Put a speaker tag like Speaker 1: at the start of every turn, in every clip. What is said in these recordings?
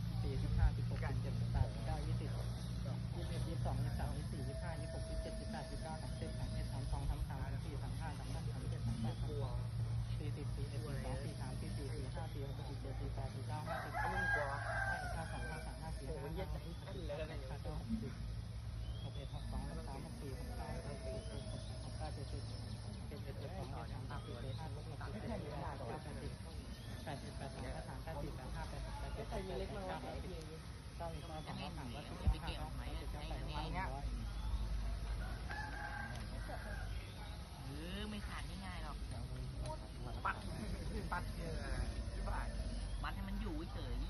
Speaker 1: 4 15 16 17 18 19 20 21 22 23 24 25 26 27 28 29 30 31 32 33 34 35 36 37 38
Speaker 2: กลัว
Speaker 1: 40 41 42 43 44 45 46 47 48 49 50
Speaker 2: มึงกลัว
Speaker 1: 52 53 54
Speaker 2: โอ้ย
Speaker 1: 55
Speaker 2: เหี้ยจัดเลยนะเนี่ย
Speaker 1: 60 61 62 63 64 69 70 71
Speaker 3: ไม่ขาดง่ายๆหรอก
Speaker 2: ปัดเยอะที่บ้าน
Speaker 3: มัดให้มันอยู่เฉย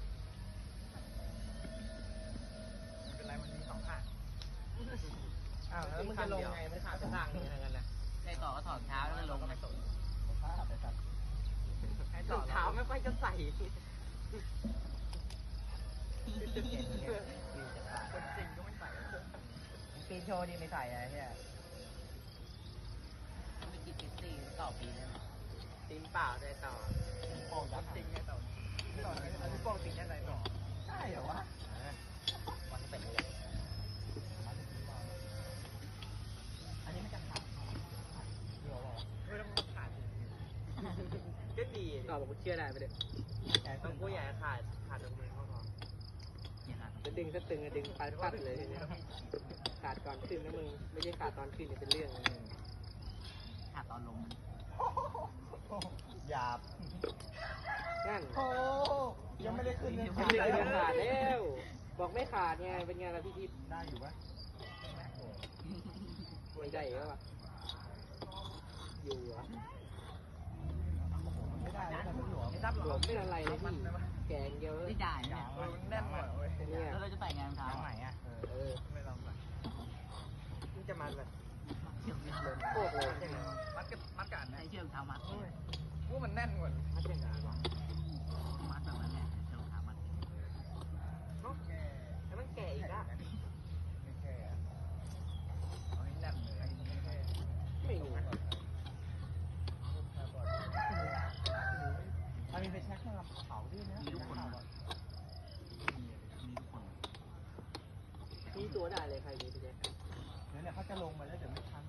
Speaker 2: เป็นไรมันมี2ข้างอ้าวแล้วมึงจะลงไงมันขาดข้างนึงอะไรกันนะ
Speaker 3: ได้ต่อก็ถอดเท้าแล้วก็ลงนะ
Speaker 2: รองเท้าไม่ค่อยจะใส่คนจริงก็ไม่ใส่
Speaker 1: ปีนโชว์นี่ไม่ใส่อะไรเนี่ย
Speaker 3: ไม่กินเก็ตตี้ต่อปีเลยนะ
Speaker 2: ตีนเปล่าได้ต่อ
Speaker 1: โป่งจับ
Speaker 2: จริงไงต่อต่อไหนอันนี้โป้งจริงแค่ไหนต่อ
Speaker 1: ใช่เหรอวะ
Speaker 2: มันเป็นเลย
Speaker 1: อันนี้ไม่จะขาดเดี๋ยว
Speaker 2: ไม่ต้องขาดก็ดีต่อบอกกูเชื่อได้ไปเลยต้องกูใหญ่ขาดตรงมือเขาพอ
Speaker 3: อย่าขาด
Speaker 2: จะดึงก็ตึงจะดึงปัดเลยทีนี้ขาดก่อนขึ้นนะมึงไม่ใช่ขาดตอนขึ้นเนี่ยเป็นเรื่องเลย
Speaker 3: ขาดตอนลง
Speaker 1: หยาบ
Speaker 2: นั่น
Speaker 1: โอ้ยังไม่ได้ขึ้นเลย
Speaker 2: ไม่ได้ขาดแล้วบอกไม่ขาดไงเป็นไงล่ะพี่ทิพย์
Speaker 1: ได้อยู่ปะ
Speaker 2: ไม่ได้แล้วอ่ะอยู่อ่ะ
Speaker 1: ไม่ได้แล้วมันหลวม
Speaker 2: หลวมไม่อะไรเลยพี่แกงเยอะมัดยังไงวะ
Speaker 3: มัดแบบนั้นเนี่ยเจ้าขามัด
Speaker 2: แล้วมันแก่อีกอะไม่รู้มันมีไปเช็คเครื่องเผาด้วยนะ
Speaker 3: มีทุกคนมีทุกคน
Speaker 2: มีตัวได้เลยใครมีไปเช็ค
Speaker 4: เดี๋ยวเนี่ยเขาจะลงมาแล้วเดี๋ยวไม่ทัน